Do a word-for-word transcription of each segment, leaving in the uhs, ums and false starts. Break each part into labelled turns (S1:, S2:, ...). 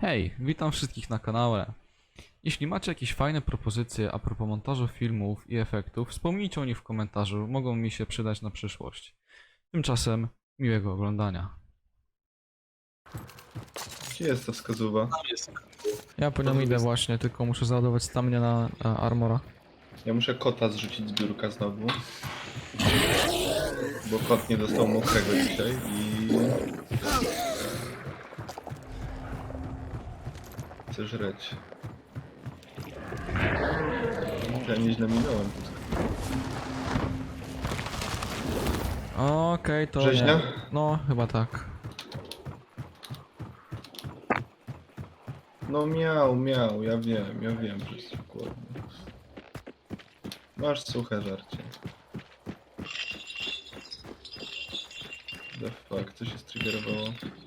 S1: Hej, witam wszystkich na kanale. Jeśli macie jakieś fajne propozycje a propos montażu filmów i efektów, wspomnijcie o nich w komentarzu, mogą mi się przydać na przyszłość. Tymczasem miłego oglądania.
S2: Gdzie jest ta wskazuwa?
S3: Tam jest.
S1: Ja po nią idę właśnie, tylko muszę załadować stamina na e, armora.
S2: Ja muszę kota zrzucić z biurka znowu. Bo kot nie dostał mokrego dzisiaj i... Chcę żreć. Ja nieźle minąłem.
S1: Okej, to
S2: Rzeźnia?
S1: nie. No, chyba tak.
S2: No miał, miał, ja wiem, ja wiem, że jest głodny. Masz suche żarcie. The fuck, co się striggerowało?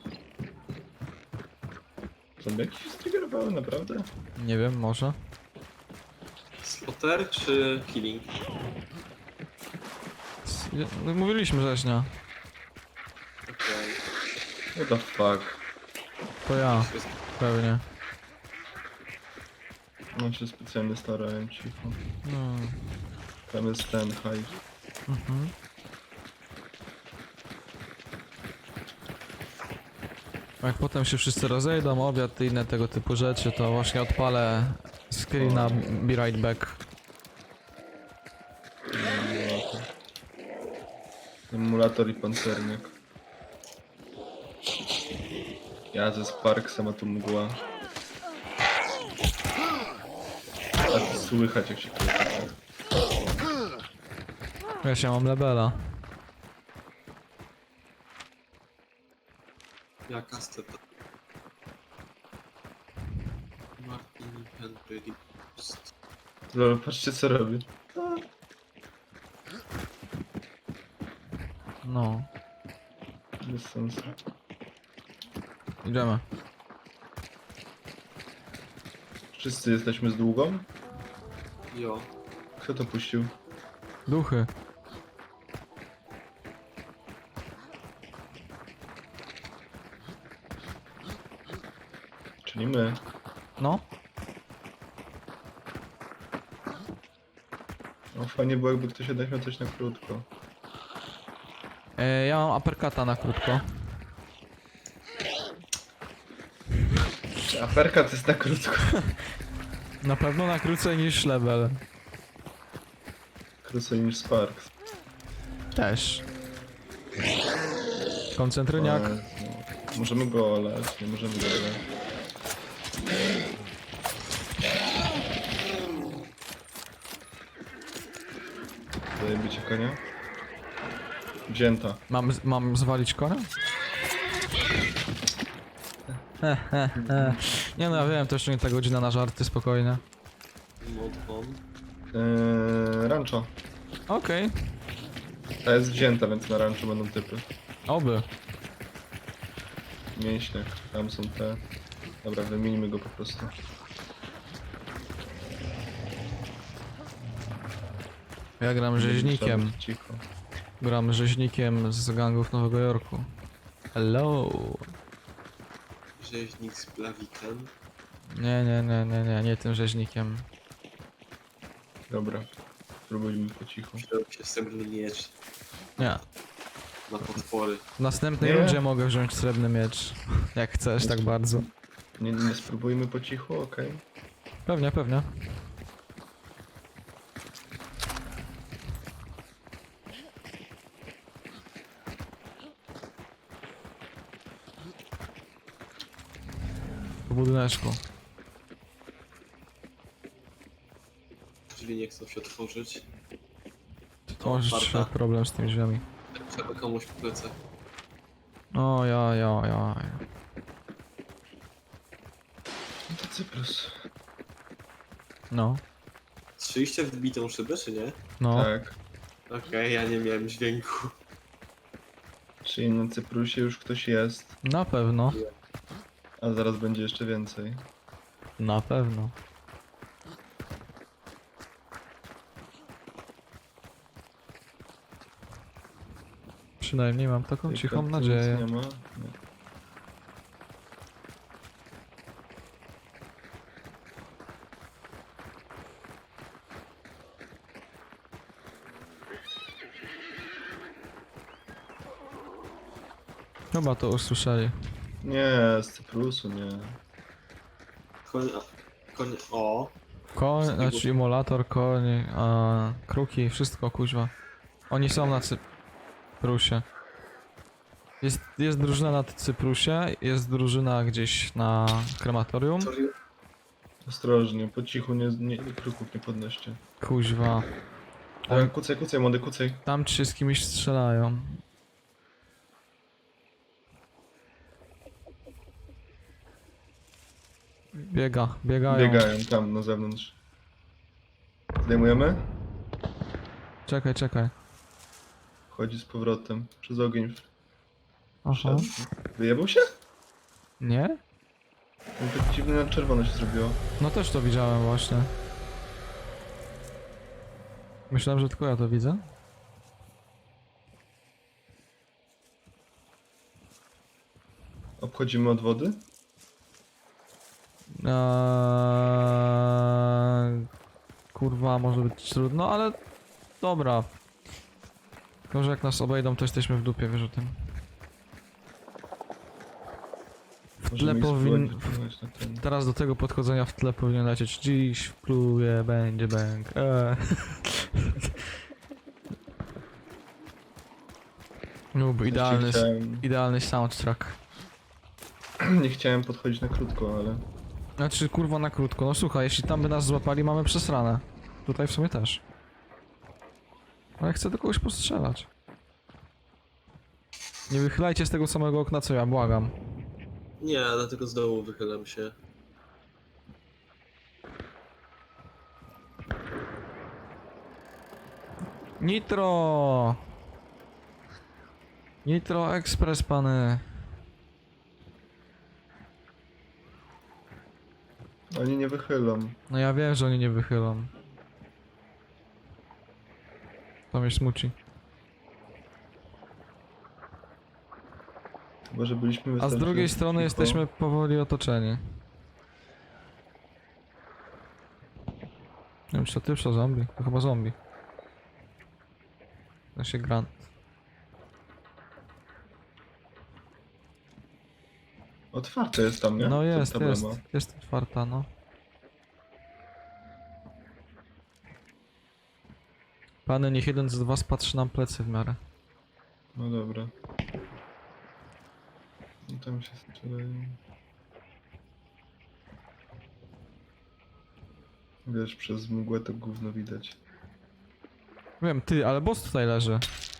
S2: Zombiaki się striggerowały, naprawdę?
S1: Nie wiem, może?
S3: Spotter czy killing?
S1: S- no, Mówiliśmy rzeźnia.
S3: Okej.
S2: What the fuck?
S1: To ja, pewnie.
S2: No się specjalnie starałem, cicho.
S1: No.
S2: Tam jest ten hajs.
S1: Mhm. Jak potem się wszyscy rozejdą, obiad i inne tego typu rzeczy, to właśnie odpalę screena Be Right Back.
S2: Emulator i pancernik. Ja ze Sparksem, a tu mgła. A to słychać jak się kręci.
S1: Ja się mam lebela.
S3: Jaka steta? Martin Henry Post.
S2: Lol, patrzcie co robię.
S1: No,
S2: Bez sensu.
S1: idziemy.
S2: Wszyscy jesteśmy z długą?
S3: Jo.
S2: Kto to puścił?
S1: Duchy.
S2: Czyli my.
S1: No,
S2: No fajnie było jakby ktoś jednak miał coś na krótko.
S1: e, ja mam uppercuta na krótko.
S2: Aferka to jest na krótko.
S1: Na pewno na krócej niż level.
S2: Krócej niż Sparks.
S1: Też. Koncentryniak.
S2: O Jezu. Możemy go olać, nie możemy go olać. Zajebicie konia? Wzięta.
S1: Mam, z- mam zwalić konia? He, he, he. Nie no, ja wiem, to jeszcze nie ta godzina na żarty, spokojnie.
S3: Mod on.
S2: Eee, rancho.
S1: Okej,
S2: Ta jest wzięta, więc na rancho będą typy.
S1: oby.
S2: Mięśniak, tam są te. Dobra, wymienimy go po prostu.
S1: Ja gram rzeźnikiem.
S2: Cicho.
S1: Gram rzeźnikiem z gangów Nowego Jorku. Hello.
S3: Rzeźnik z plawikiem.
S1: Nie, nie, nie, nie, nie, nie tym rzeźnikiem.
S2: Dobra, spróbujmy po cichu.
S3: Wziął się srebrny miecz
S1: Nie.
S3: na potwory.
S1: W następnej
S2: Nie.
S1: rundzie mogę wziąć srebrny miecz. Jak chcesz, tak bardzo.
S2: Nie, nie spróbujmy po cichu, okej?
S1: Pewnie, pewnie. W budyneczku.
S3: Drzwi nie chcą się otworzyć.
S1: To możesz
S3: otwarta.
S1: mieć problem z tymi drzwiami.
S3: Trzeba komuś w plecach.
S1: O, ja, ja, ja.
S2: No to Cyprus.
S1: No,
S3: Strzeliście w wbitą szybę, czy nie?
S1: no.
S2: Tak.
S3: Okej, ja nie miałem dźwięku.
S2: Czyli na Cyprusie już ktoś jest,
S1: Na pewno.
S2: a zaraz będzie jeszcze więcej.
S1: Na pewno. Przynajmniej mam taką
S2: Tej
S1: cichą
S2: karty nic
S1: nadzieję.
S2: Nie ma? Nie.
S1: Chyba to usłyszeli.
S2: Nie, z Cyprusu, nie.
S3: Koń... Koń... O.
S1: Koń,
S3: Wszystkiego.
S1: znaczy emulator, koń, a, kruki, wszystko kuźwa. Oni są na Cyprusie. Jest, jest drużyna na Cyprusie, jest drużyna gdzieś na krematorium.
S3: Sorry.
S2: Ostrożnie, po cichu, nie, nie, kruków nie podnoście.
S1: Kuźwa.
S2: Ale kucaj, kucaj, młody, kucaj.
S1: Tam ci się z kimś strzelają. Biega, biegają.
S2: Biegają tam na zewnątrz. Zdejmujemy?
S1: Czekaj, czekaj.
S2: Chodzi z powrotem. Przez ogień
S1: Aha.
S2: wszedł. Wyjebał się?
S1: Nie?
S2: No tak dziwnie na czerwono się zrobiło.
S1: No też to widziałem właśnie. Myślałem, że tylko ja to widzę.
S2: Obchodzimy od wody?
S1: Eee, kurwa, może być trudno, ale dobra. Tylko, że jak nas obejdą, to jesteśmy w dupie, wiesz o tym. W tle
S2: Możemy ich
S1: powin...
S2: spróbować wypłynąć na ten.
S1: Teraz do tego podchodzenia w tle powinien lecieć. Dziś wpluje, będzie bęk. Eee. Noob, idealny,
S2: Chciałem,
S1: idealny soundtrack.
S2: nie chciałem podchodzić na krótko, ale...
S1: Znaczy, kurwa, na krótko. No słuchaj, jeśli tam by nas złapali, mamy przesrane. Tutaj w sumie też. Ale chcę do kogoś postrzelać. Nie wychylajcie z tego samego okna co ja, błagam.
S3: Nie, dlatego z dołu wychylam się.
S1: Nitro! Nitro Express, pany.
S2: Oni nie wychylą.
S1: No ja wiem, że oni nie wychylą. To mnie smuci.
S2: Chyba, że byliśmy
S1: A z
S2: wystarczająco
S1: drugiej strony
S2: cicho.
S1: jesteśmy powoli otoczeni. Nie wiem, czy to ty, czy to zombie? To chyba zombie. To się Grant.
S2: Otwarte jest tam, nie?
S1: No
S2: Ta
S1: jest,
S2: tabela
S1: jest.
S2: ma.
S1: Jest otwarta, no. Pany, niech jeden z was patrzy nam plecy w miarę.
S2: No dobra. No tam się strzelają. Wiesz, przez mgłę to gówno widać.
S1: Wiem, ty, ale boss tutaj leży.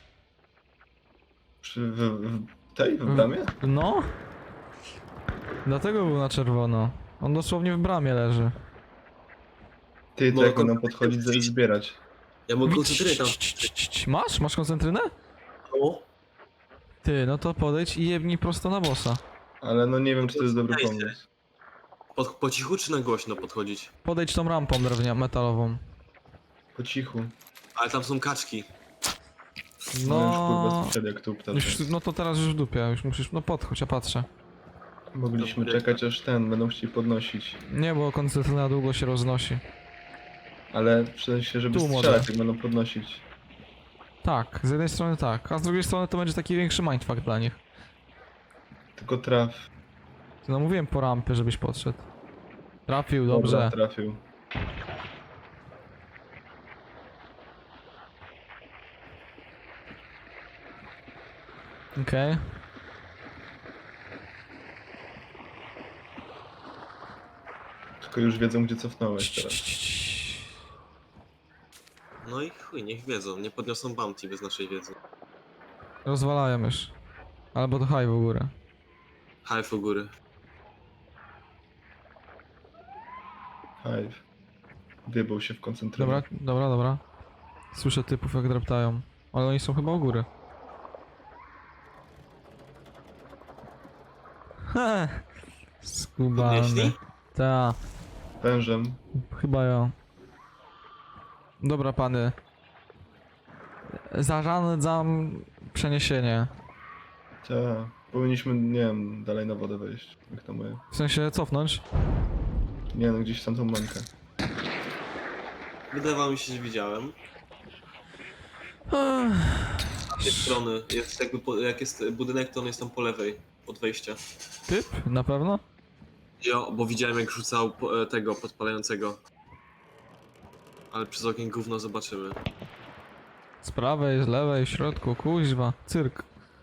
S2: Przy, w, w tej, w bramie?
S1: No? Dlatego był na czerwono. On dosłownie w bramie leży.
S2: Ty, to
S3: No,
S2: jak
S3: kon-
S2: będą podchodzić, żeby zbierać.
S3: Ja mogę koncentrę tam.
S1: Cii, cii, cii, cii. Masz? Masz koncentrynę?
S3: O,
S1: Ty, no to podejdź i jebnij prosto na bossa.
S2: Ale no nie wiem, czy to jest dobry
S3: Dajcie.
S2: pomysł.
S3: pod, po cichu czy na głośno podchodzić?
S1: Podejdź tą rampą drewnia metalową.
S2: Po cichu.
S3: Ale tam są kaczki.
S2: No, już kurwa
S1: No,
S2: słyszeli jak tu ptacze.
S1: już, no to teraz już w dupie, już musisz, no podchodź, ja patrzę.
S2: Mogliśmy
S3: Dobra.
S2: czekać aż ten, będą chcieli podnosić.
S1: Nie, bo koncertyna długo się roznosi.
S2: Ale w sensie, żeby
S1: Tu, młode.
S2: strzelać, jak będą podnosić.
S1: Tak, z jednej strony tak, a z drugiej strony to będzie taki większy mindfuck dla nich.
S2: Tylko traf.
S1: No mówiłem po rampie, żebyś podszedł. Trafił,
S2: Dobra,
S1: dobrze.
S2: trafił.
S1: Okej.
S2: Tylko już wiedzą, gdzie cofnąłeś
S1: Cii,
S2: teraz.
S1: cii, cii.
S3: No i chuj, niech wiedzą. Nie podniosą bounty bez naszej wiedzy.
S1: Rozwalają już. Albo to haj w górę.
S3: Half u góry.
S2: Hive. Wybał się w koncentrację.
S1: Dobra, dobra, dobra. Słyszę typów jak dreptają. Ale oni są chyba u góry. Ha! Skubany.
S3: Podnieśli?
S1: Ta,
S2: Wężem.
S1: chyba ja. Dobra, pany. Zarządzam przeniesienie.
S2: Ta. Powinniśmy, nie wiem, dalej na wodę wejść. Jak to moje.
S1: W sensie cofnąć.
S2: Nie no, gdzieś tam tą mankę.
S3: Wydawało mi się, że widziałem.
S1: Ech,
S3: Z tej strony, jest jakby, po, jak jest budynek, to on jest tam po lewej, od wejścia.
S1: Typ? Na pewno?
S3: Jo, bo widziałem jak rzucał po- e, tego podpalającego. Ale przez okien gówno zobaczymy.
S1: Z prawej, z lewej, w środku, kuźwa, cyrk.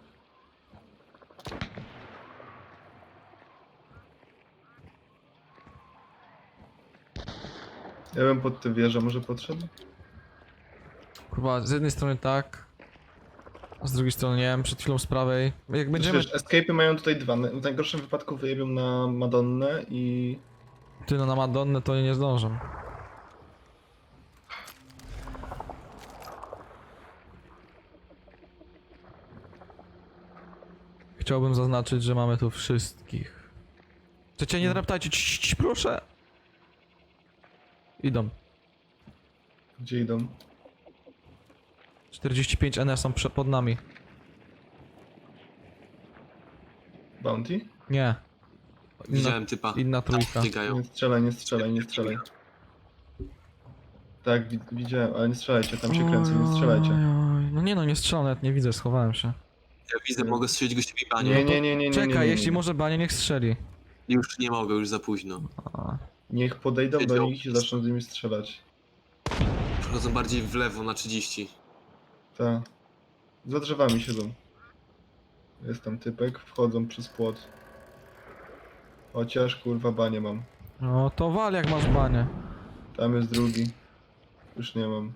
S2: Ja bym pod tę wieżę może podszedł?
S1: Kurwa, z jednej strony tak, a z drugiej strony nie wiem, przed chwilą z prawej. Jak będziemy...
S2: Wiesz, escape'y mają tutaj dwa. W najgorszym wypadku wyjebią na Madonnę i...
S1: Ty no na Madonnę to nie zdążę. Chciałbym zaznaczyć, że mamy tu wszystkich. Chcecie, nie draptajcie, cii, cii, proszę! Idą.
S2: Gdzie idą?
S1: czterdzieści pięć N są prze- pod nami.
S2: Bounty?
S1: Nie. Inna,
S3: Widziałem typa.
S1: inna trójka.
S3: Tam biegają.
S2: Nie strzelaj, nie strzelaj, nie strzelaj. Tak, wi widziałem, ale nie strzelajcie, tam się kręcą, nie strzelajcie.
S1: Oj, oj. No nie no, nie strzelam, nawet nie widzę, schowałem się.
S3: Ja widzę, mogę strzelić gościowi banie.
S2: Nie, nie, nie, nie, nie,
S1: Czekaj,
S2: nie, nie, nie.
S1: jeśli może Banie, niech strzeli.
S3: Już nie mogę, już za późno.
S1: A,
S2: Niech podejdą do
S3: Wiedział.
S2: nich i zaczną z nimi strzelać.
S3: Przechodzą bardziej w lewo na trzydzieści.
S2: Tak. Za drzewami siedzą. Jest tam typek, wchodzą przez płot. Chociaż kurwa banie mam.
S1: no to wal jak masz Banie.
S2: Tam jest drugi. Już nie mam.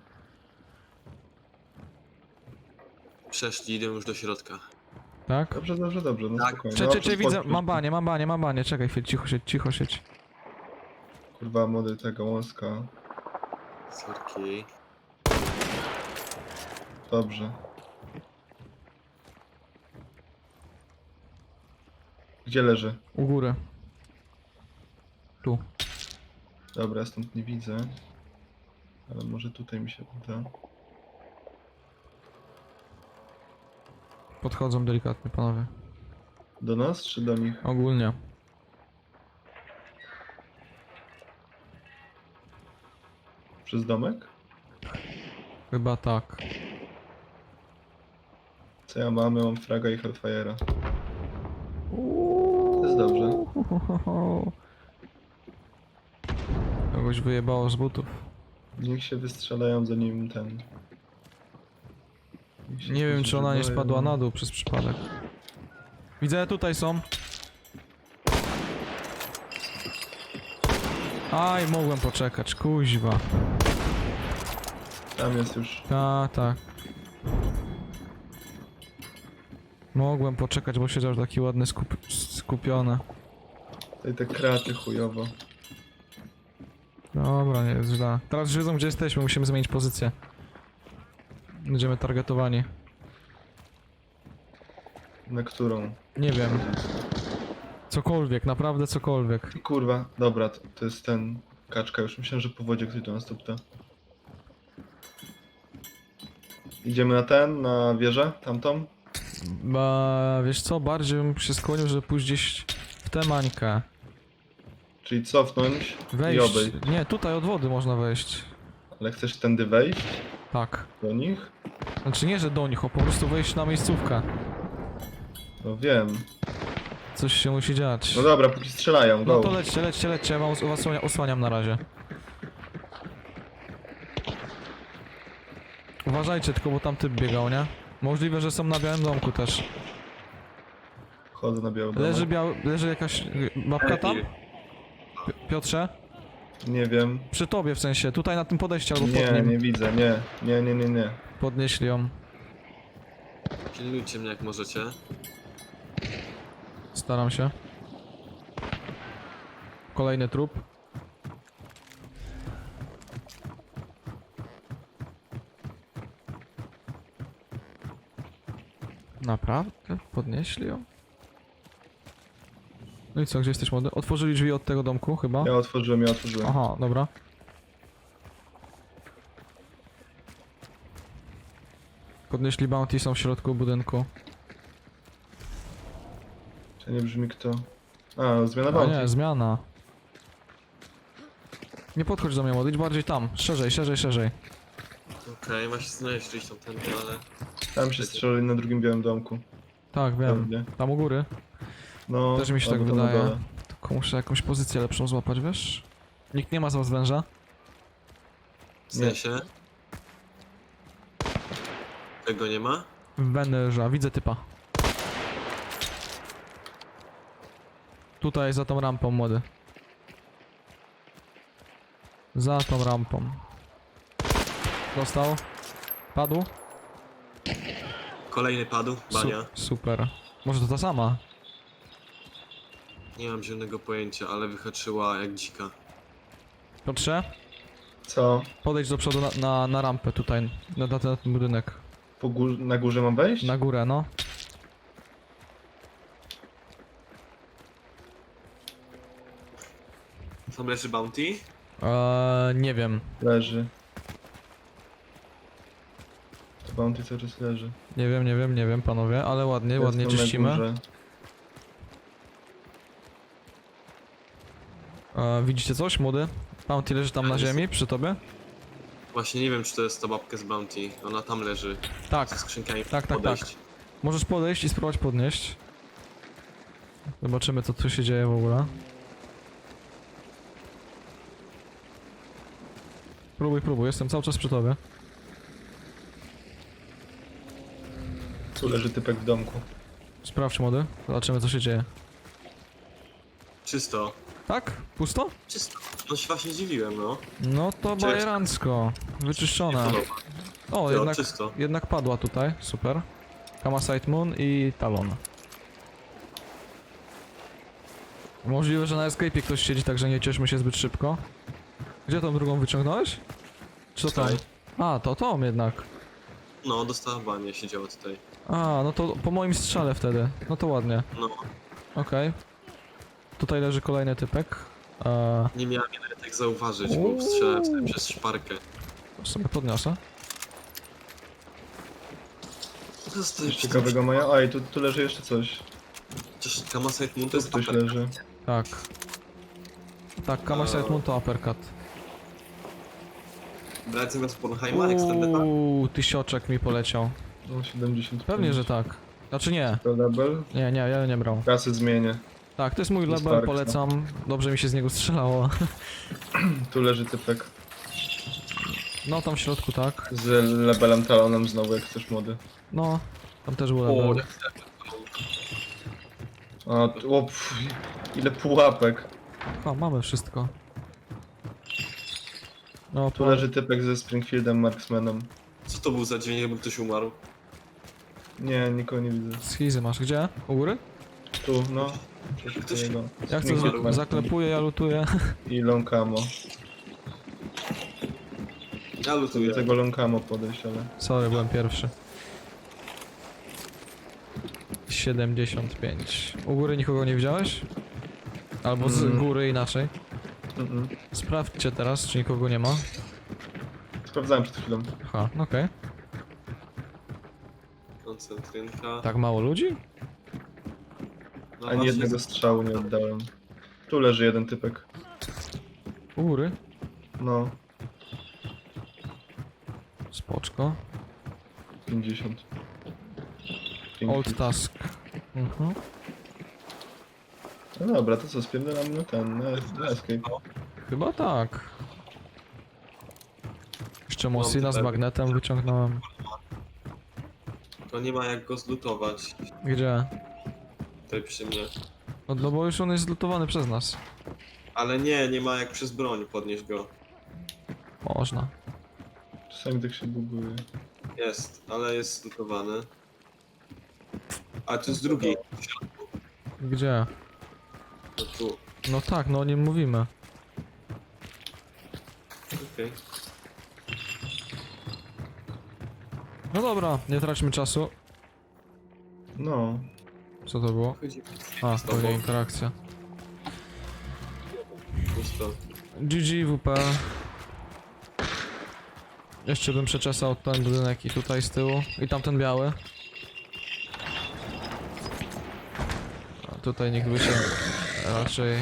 S3: Przeszli, idę już do środka.
S1: Tak?
S2: Dobrze, dobrze, dobrze, no
S3: Tak.
S2: spokojnie.
S1: Cze,
S2: No,
S1: cze,
S2: przez
S1: cze,
S2: płot
S1: widzę,
S2: przeszli.
S1: mam Banie, mam Banie, mam Banie, czekaj chwilę, cicho siedź, cicho siedź.
S2: Kurwa młody tego wąska.
S3: Sorki.
S2: Dobrze. Gdzie leży?
S1: U góry. Tu.
S2: Dobra, stąd nie widzę. Ale może tutaj mi się uda.
S1: Podchodzą delikatnie, panowie.
S2: Do nas czy do nich?
S1: Ogólnie.
S2: Przez domek?
S1: Chyba tak.
S2: Co ja mam? Ja mam fraga i hellfire'a. To jest dobrze.
S1: Kogoś wyjebało z butów.
S2: Niech się wystrzelają zanim ten... Niech się
S1: Nie wiem, czy ona nie
S2: zużywają.
S1: spadła na dół przez przypadek. Widzę, tutaj są. Aj, mogłem poczekać, kuźwa.
S2: Tam jest już.
S1: Ta, tak. Mogłem poczekać, bo siedział taki ładny, skup skupiony.
S2: Tutaj te kraty chujowo.
S1: Dobra, nie jest źle. Teraz już wiedzą, gdzie jesteśmy, musimy zmienić pozycję. Będziemy targetowani.
S2: Na którą?
S1: Nie wiem. Cokolwiek, naprawdę cokolwiek.
S2: Kurwa, dobra, to, to jest ten... Kaczka, już myślałem, że po wodzie ktoś do nas tupta. Idziemy na ten, na wieżę, tamtą?
S1: Ba, wiesz co, bardziej bym się skłonił, żeby pójść gdzieś w tę mańkę.
S2: Czyli cofnąć i
S1: Wejść.
S2: obejść.
S1: Nie, tutaj od wody można wejść.
S2: Ale chcesz tędy wejść?
S1: Tak.
S2: Do nich?
S1: Znaczy nie, że do nich, a po prostu wejść na miejscówkę.
S2: No wiem.
S1: Coś się musi dziać.
S2: No dobra, póki strzelają, go.
S1: No to lećcie, lećcie, lećcie, ja wam os- osłania, osłaniam na razie. Uważajcie tylko, bo tam typ biegał, nie? Możliwe, że są na białym domku też.
S2: Chodzę na biały
S1: Leży
S2: domek.
S1: biały, leży jakaś y, babka tam? Pi- Piotrze?
S2: Nie wiem.
S1: Przy tobie w sensie, tutaj na tym podejściu albo pod
S2: Nie,
S1: nim.
S2: nie widzę, nie. Nie, nie, nie, nie.
S1: Podnieśli ją.
S3: Pilnujcie mnie jak możecie.
S1: Staram się. Kolejny trup. Naprawdę? Podnieśli ją? No i co, gdzie jesteś młody? Otworzyli drzwi od tego domku chyba?
S2: Ja otworzyłem, ja otworzyłem.
S1: Aha, dobra. Podnieśli bounty, są w środku budynku.
S2: Czy nie brzmi kto? A, zmiana
S1: A
S2: bounty.
S1: nie, zmiana. Nie podchodź do mnie młody, idź bardziej tam. Szerzej, szerzej, szerzej.
S3: Okej, okay, ma się znaleźć gdzieś tam tędy, ale...
S2: Tam się strzelali na drugim białym domku.
S1: Tak, wiem.
S2: Pewnie.
S1: Tam u góry.
S2: No,
S1: Też mi się tak
S2: albo tam na
S1: wydaje.
S2: dole.
S1: Tylko muszę jakąś pozycję lepszą złapać, wiesz? Nikt nie ma z was węża?
S3: W sensie? Tego nie ma?
S1: Węża, widzę typa. Tutaj za tą rampą, młody. Za tą rampą. Dostał. Padł.
S3: Kolejny padł,
S1: Su
S3: bania.
S1: super. Może to ta sama?
S3: Nie mam zielonego pojęcia, ale wyhaczyła jak dzika.
S1: Piotrze,
S2: Co?
S1: podejdź do przodu na, na, na rampę tutaj, na, na ten budynek.
S2: Po gór na górze mam wejść?
S1: Na górę, no.
S3: Tam leży bounty?
S1: Eee, nie wiem.
S2: Leży. To bounty cały czas leży.
S1: Nie wiem, nie wiem, nie wiem, panowie, ale ładnie,
S2: Jest
S1: ładnie
S2: tam na
S1: czyścimy.
S2: górze.
S1: Eee, widzicie coś, młody? Bounty leży tam na
S3: Jest.
S1: ziemi, przy tobie?
S3: Właśnie nie wiem, czy to jest ta babka z bounty. Ona tam leży.
S1: Tak,
S3: Ze skrzynkami.
S1: tak, tak,
S3: podejść.
S1: możesz podejść i spróbować podnieść. Zobaczymy, co tu się dzieje w ogóle. Próbuj, próbuj, jestem cały czas przy tobie.
S2: Tu leży typek w domku.
S1: Sprawdź, młody, zobaczymy, co się dzieje.
S3: Czysto.
S1: Tak? Pusto?
S3: Czysto. No się właśnie dziwiłem, no.
S1: No to
S3: Cześć.
S1: bajerancko. Wyczyszczone.
S3: Podoba.
S1: O,
S3: Jo,
S1: jednak,
S3: czysto.
S1: jednak padła tutaj, super. Kamasite Moon i Talon. Możliwe, że na escape'ie ktoś siedzi, także nie cieszmy się zbyt szybko. Gdzie tą drugą wyciągnąłeś? Czy to tam?
S3: Tutaj.
S1: A, to Tom jednak.
S3: No, dostała banie, siedziała tutaj.
S1: A, no to po moim strzale wtedy. No to ładnie.
S3: No,
S1: Okej. Tutaj leży kolejny typek. Eee,
S3: nie miałem je nawet tak zauważyć,
S1: Uuu.
S3: bo strzelałem sobie przez szparkę.
S1: sobie podniosę.
S3: To jest
S2: Coś ciekawego mają. A i tu, tu leży jeszcze coś.
S3: Chociaż Kamasite Moon to
S2: Tu
S3: jest
S2: ktoś
S3: upper.
S2: leży.
S1: Tak. Tak, Kamasite
S3: Eee.
S1: Moon to uppercut.
S3: Brać zamiast Pornheima, Extended Attack?
S1: Uuu, tysioczek mi poleciał.
S2: No siedemdziesiąt pięć.
S1: Pewnie, że tak. Znaczy nie.
S2: To label.
S1: Nie, nie, ja nie brał.
S2: Kasy zmienię.
S1: Tak, to jest mój
S2: To jest
S1: label,
S2: Sparks,
S1: polecam. Dobrze mi się z niego strzelało.
S2: Tu leży typek.
S1: No, tam w środku tak.
S2: Z labelem talonem znowu, jak chcesz młody.
S1: No, tam też był
S3: O,
S1: label.
S2: A, tu, o, pff, ile pułapek.
S1: O, mamy wszystko. No,
S2: Tu
S1: po...
S2: leży typek ze Springfieldem Marksmanem.
S3: co to był za dzień, jakby ktoś umarł?
S2: Nie, nikogo nie widzę.
S1: Schizy masz gdzie? U góry?
S2: Tu, no. Coś
S3: Ktoś-
S2: takiego.
S1: Ja chcę,
S2: Springfield
S1: za
S2: Marksman.
S1: zaklepuję, ja lutuję.
S2: I Lonkamo.
S3: Ja
S2: Do
S3: lutuję.
S2: tego Lonkamo podejść, ale...
S1: Sorry, byłem pierwszy. siedemdziesiąt pięć. U góry nikogo nie widziałeś? Albo z
S2: Mm.
S1: góry inaczej.
S2: Mm-mm.
S1: Sprawdźcie teraz, czy nikogo nie ma.
S2: Sprawdzałem przed chwilą.
S1: Aha, okej.
S3: Koncentrynka.
S1: Tak mało ludzi?
S3: No
S2: Ani
S3: właśnie,
S2: jednego strzału nie oddałem. Tu leży jeden typek.
S1: U góry?
S2: No,
S1: Spoczko.
S2: pięćdziesiąt.
S1: Old task. Mhm.
S2: No dobra, to co, spierdolamy na ten, na, na escape.
S1: Chyba tak. Jeszcze
S3: Mam
S1: Mosina z
S3: tutaj-
S1: magnetem wyciągnąłem.
S3: To nie ma jak go zlutować.
S1: Gdzie?
S3: Tutaj przy mnie.
S1: No, no bo już on jest zlutowany przez nas.
S3: Ale nie, nie ma jak przez broń podnieść go.
S1: Można.
S2: Czasami tak się buguje.
S3: Jest, ale jest zlutowany. A tu jest drugi.
S1: Gdzie?
S3: No tu.
S1: No tak, no o nim mówimy.
S3: Okej.
S1: No dobra, nie traćmy czasu.
S2: No,
S1: Co to było?
S3: Chodzi.
S1: A,
S3: Z tobą.
S1: pewnie interakcja.
S3: Pusto.
S1: G G W P. Jeszcze bym przeczesał ten budynek i tutaj z tyłu. I tamten biały. A tutaj nikt by się raczej...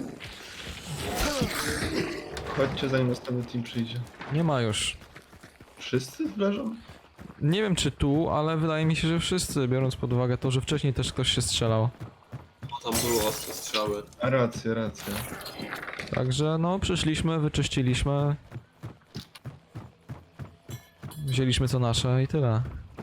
S2: chodźcie zanim następny team przyjdzie.
S1: Nie ma już.
S2: Wszyscy leżą?
S1: Nie wiem czy tu, ale wydaje mi się, że wszyscy, biorąc pod uwagę to, że wcześniej też ktoś się strzelał.
S3: Bo tam były ostre strzały.
S2: A racja, racja.
S1: Także no, przyszliśmy, wyczyściliśmy. Wzięliśmy co nasze i tyle.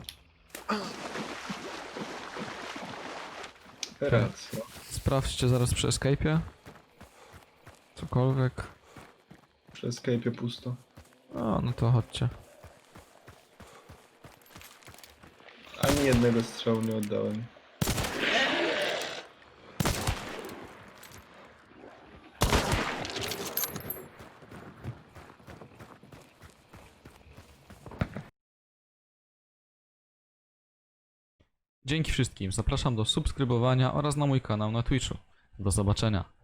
S2: Racja.
S1: Sprawdźcie zaraz przy escape'ie. Cokolwiek.
S2: Przy escape'ie pusto.
S1: O, no to chodźcie.
S2: Ani jednego strzału nie oddałem.
S1: Dzięki wszystkim, zapraszam do subskrybowania oraz na mój kanał na Twitchu. Do zobaczenia.